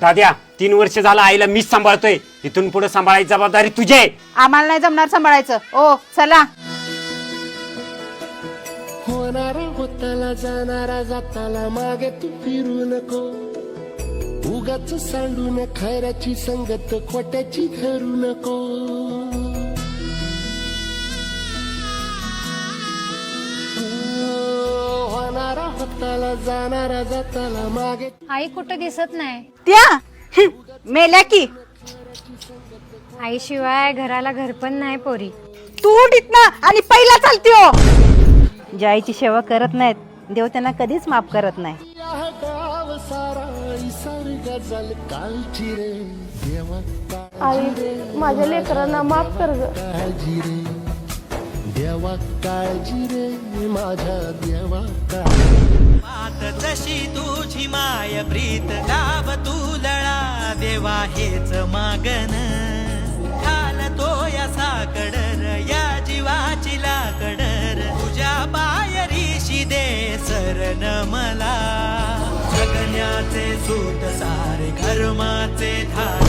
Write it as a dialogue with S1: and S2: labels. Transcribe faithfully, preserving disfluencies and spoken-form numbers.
S1: दाद्या तीन वर्ष झालं आईला मीच सांभाळतोय, इथून पुढे सांभाळायची जबाबदारी तुझी आहे.
S2: आम्हाला नाही जमणार सांभाळायचं. ओ चला.
S3: होणारा होताला जाणारा जाताला मागे तू फिरू नको, उगाच सांडून खैराची संगत खोट्याची धरू नको. होणारा होताला जाणारा जाताला मागे.
S4: आई कुठं दिसत नाही.
S2: त्या हं, मेल्या की.
S4: आई शिवाय घराला घर पण नाही पोरी.
S2: तू उठीत ना आणि पहिला चालती हो. ज्या आईची सेवा करत नाहीत देव त्यांना कधीच माफ करत नाही.
S3: या गाव सारा इसर्ग जल कालची रे देवा.
S5: आई माझ्या लेकरांना माफ कर ग.
S3: काळजी रे देवा काळजी रे माझ्या देवा काळजी.
S6: मात जशी तुझी माय प्रीत गाव तुलळा देवा हेच मागन घालतो या साकडर या जीवाची लाकडर तुझ्या पायरीशी दे शरण मला. जगण्याचे सूत सारे कर्माचे धार